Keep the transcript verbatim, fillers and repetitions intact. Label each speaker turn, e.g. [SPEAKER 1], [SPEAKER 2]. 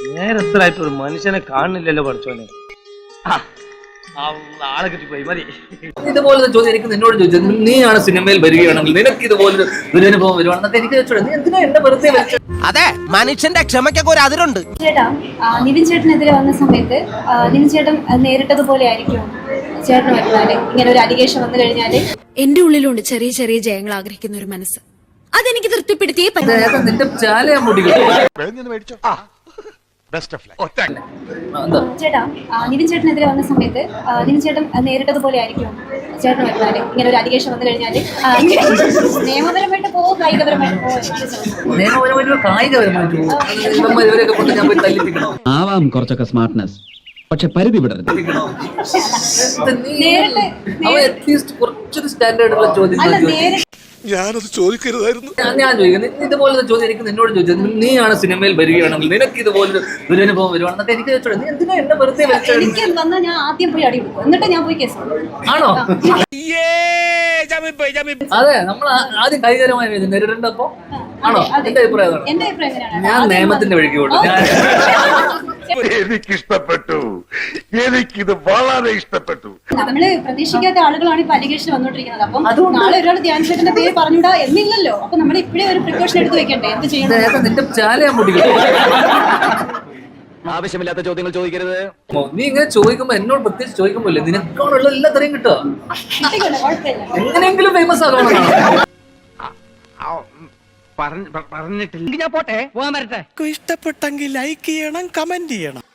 [SPEAKER 1] നേരത്തിലായിട്ട് ഒരു മനുഷ്യനെ കാണുന്നില്ലല്ലോ പഠിച്ചോനെ. ആളെ കിട്ടിപ്പോയി മതി.
[SPEAKER 2] ഇതുപോലത്തെ ചോദ്യം എനിക്ക് നിന്നോട് ചോദിച്ചത്, നീയാണ് സിനിമയിൽ വരികയാണെങ്കിൽ നിനക്ക് ഇതുപോലെ ദുരനുഭവം വരുവാണെന്നൊക്കെ എനിക്ക് ചോദിച്ചോളൂ. നീ എന്തിനാ എന്നെ വെറുതെ വെച്ചത്?
[SPEAKER 3] അതെ, മനുഷ്യന്റെ ക്ഷമയ്ക്കൊക്കെ ഒരു അതിരുണ്ട്.
[SPEAKER 4] ചേട്ടാ, നിവിൻ ചേട്ടനെതിരെ വന്ന സമയത്ത് നിവിൻ ചേട്ടൻ നേരിട്ടതുപോലെ ആയിരിക്കും ചേട്ടന് വരുന്നാല് ഇങ്ങനെ ഒരു അലിഗേഷൻ വന്നു കഴിഞ്ഞാല്?
[SPEAKER 5] എന്റെ ഉള്ളിലുണ്ട് ചെറിയ ചെറിയ ജയങ്ങൾ ആഗ്രഹിക്കുന്ന ഒരു മനസ്സ്. അതെനിക്ക് തൃപ്തിപ്പെടുത്തിയേ പറ്റും.
[SPEAKER 2] നിന്റെ ചാലയാ മുടിക്കും.
[SPEAKER 4] ചേട്ടാ, നിവിൻ ചേട്ടനെതിരെ വന്ന സമയത്ത് നിവിൻ ചേട്ടൻ നേരിട്ടതുപോലെ ആയിരിക്കും ചേട്ടന് വരുന്നാല് ഇങ്ങനെ ഒരു അലിഗേഷൻ വന്നു കഴിഞ്ഞാല്? നിയമപരമായിട്ട് പോവോ കായികപരമായിട്ട് പോവോ?
[SPEAKER 2] നിയമപരമായിട്ട് കായികപരമായിട്ട് ഇവരൊക്കെ കൊണ്ട് ഞാൻ പോയി തല്ലിപ്പിക്കണോ?
[SPEAKER 6] ആവാം കുറച്ചൊക്കെ സ്മാർട്ട്നെസ്, പക്ഷെ പരിധി വിടരുത്.
[SPEAKER 2] കുറച്ചൊരു സ്റ്റാൻഡേർഡുള്ള ചോദ്യം
[SPEAKER 7] ഞാനത് ചോദിക്കരുതായിരുന്നു.
[SPEAKER 2] ഞാൻ ചോദിക്കുന്നത്, ഇതുപോലത്തെ ചോദ്യം എനിക്ക് നിന്നോട് ചോദിച്ചത്, നീയാണ് സിനിമയിൽ വരികയാണെങ്കിൽ നിനക്ക് ഇതുപോലൊരു ദുരനുഭവം വരുവാണെന്നൊക്കെ എനിക്ക് ചോദിച്ചോളൂ. നീ എന്തിനാ എന്നെ വെറുതെ വെച്ചത്?
[SPEAKER 4] എനിക്ക് വന്നാൽ ഞാൻ ആദ്യം പോയി അടി കൊടുക്കും, എന്നിട്ട് ഞാൻ പോയി കേസ്
[SPEAKER 2] ആണോ? അതെ, നമ്മൾ ആദ്യം കായികപരമായി നേരിടേണ്ടപ്പോ ആണോ? എന്റെ അഭിപ്രായം
[SPEAKER 4] എന്റെ അഭിപ്രായം എങ്ങനെയാണ്?
[SPEAKER 2] ഞാൻ നിയമത്തിന്റെ വഴിക്ക് പോകും.
[SPEAKER 7] എനിക്കിഷ്ടപ്പെട്ടു, എനിക്കിത് വളരെ ഇഷ്ടപ്പെട്ടു.
[SPEAKER 4] നമ്മള് പ്രതീക്ഷിക്കാത്ത ആളുകളാണ് ഇപ്പൊ അലിഗേഷൻ വന്നോണ്ടിരിക്കുന്നത്. അപ്പം നാളെ ഒരാൾ ധ്യാൻ ചേട്ടന്റെ പേര് പറഞ്ഞിടാ എന്നില്ലല്ലോ. അപ്പൊ നമ്മൾ ഇപ്പഴേ ഒരു പ്രിക്കോഷൻ എടുത്ത് വെക്കണ്ടേ? എന്ത് ചെയ്യണം?
[SPEAKER 2] നിന്റെ ചാലയാ മുടിക്കും.
[SPEAKER 3] ആവശ്യമില്ലാത്ത ചോദ്യങ്ങൾ ചോദിക്കരുത്.
[SPEAKER 2] നീ ഇങ്ങനെ ചോദിക്കുമ്പോ എന്നോട് പ്രത്യേകിച്ച് ചോദിക്കുമ്പോല്ലേ നിനക്കാണുള്ള എല്ലാ തരയും കിട്ടുക. എങ്ങനെയെങ്കിലും ഫേമസ് ആകണം.
[SPEAKER 3] പറഞ്ഞിട്ടില്ല. ഞാൻ പോട്ടെ, പോകാൻ വരട്ടെ.
[SPEAKER 7] ഇഷ്ടപ്പെട്ടെങ്കിൽ ലൈക്ക് ചെയ്യണം, കമന്റ് ചെയ്യണം.